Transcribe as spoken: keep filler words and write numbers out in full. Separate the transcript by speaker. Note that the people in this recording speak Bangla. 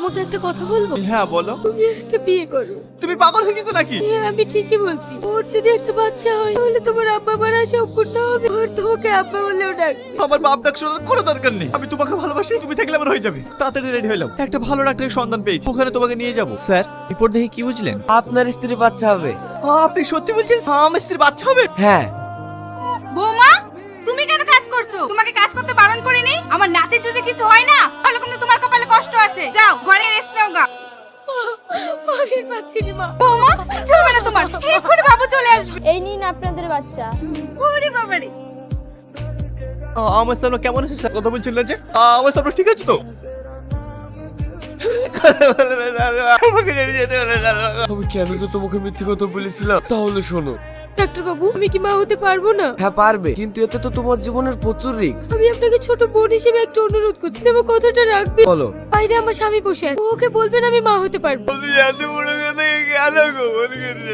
Speaker 1: তোমাকে একটা কথা বলবো?
Speaker 2: হ্যাঁ বলো।
Speaker 1: তুমি একটা বিয়ে করো।
Speaker 2: তুমি পাগল হয়ে গেছো নাকি?
Speaker 1: হ্যাঁ আমি ঠিকই বলছি। ওর যদি একটা বাচ্চা হয় তাহলে তোমার আব্বা মারা সম্পূর্ণ হবে। ওর তোমাকে আব্বা বলেও ডাকবে।
Speaker 2: আমার বাপ ডাক শোনার কোনো দরকার নেই। আমি তোমাকে ভালোবাসি, তুমি থাকলে আমার হয়ে যাবে। তাড়াতাড়ি রেডি হইলাম, একটা ভালো ডাক্তারের সন্ধান পেয়েছি, ওখানে তোমাকে নিয়ে যাব। স্যার রিপোর্ট দেখে কি বুঝলেন?
Speaker 3: আপনার স্ত্রী বাচ্চা হবে।
Speaker 2: আপনি সত্যি বলছেন? আমার স্ত্রীর বাচ্চা হবে?
Speaker 3: হ্যাঁ।
Speaker 4: বৌমা, তুমি কেন কাজ করছো? তোমাকে কাজ করতে বারণ করিনি? আমার নাতির যদি কিছু হয় না, তাহলে কিন্তু তোমার কপালে কষ্ট আছে। যাও ঘরে রেস্ট নাও গা।
Speaker 1: আমি পাচ্ছি না মা।
Speaker 4: বৌমা, কিছু হবে না তোমার। এক্ষুনি বাবু চলে আসবে।
Speaker 5: এই নিন আপনাদের বাচ্চা।
Speaker 4: ওরে বাবারে।
Speaker 2: আমার সামনে কেমন আছে স্যার? কথা বলছিল যে আমার সামনে ঠিক আছে তো? আমাকে ছেড়ে যেতে বলে না।
Speaker 3: আমি কেন যে তোমাকে মিথ্যে কথা বলেছিলাম? তাহলে শোনো।
Speaker 1: ডাক্তার বাবু আমি কি মা হতে পারবো না?
Speaker 3: হ্যাঁ পারবে, কিন্তু এতে তো তোমার জীবনের প্রচুর রিস্ক।
Speaker 1: আমি আপনাকে ছোট বোন হিসেবে একটা অনুরোধ করছি, আমার কথাটা রাখবে?
Speaker 3: বলো।
Speaker 1: বাইরে আমার স্বামী বসে আছে, ওকে বলবেন আমি মা হতে পারবো।
Speaker 2: আমি এত বড় কথা কেন গোপন করছি?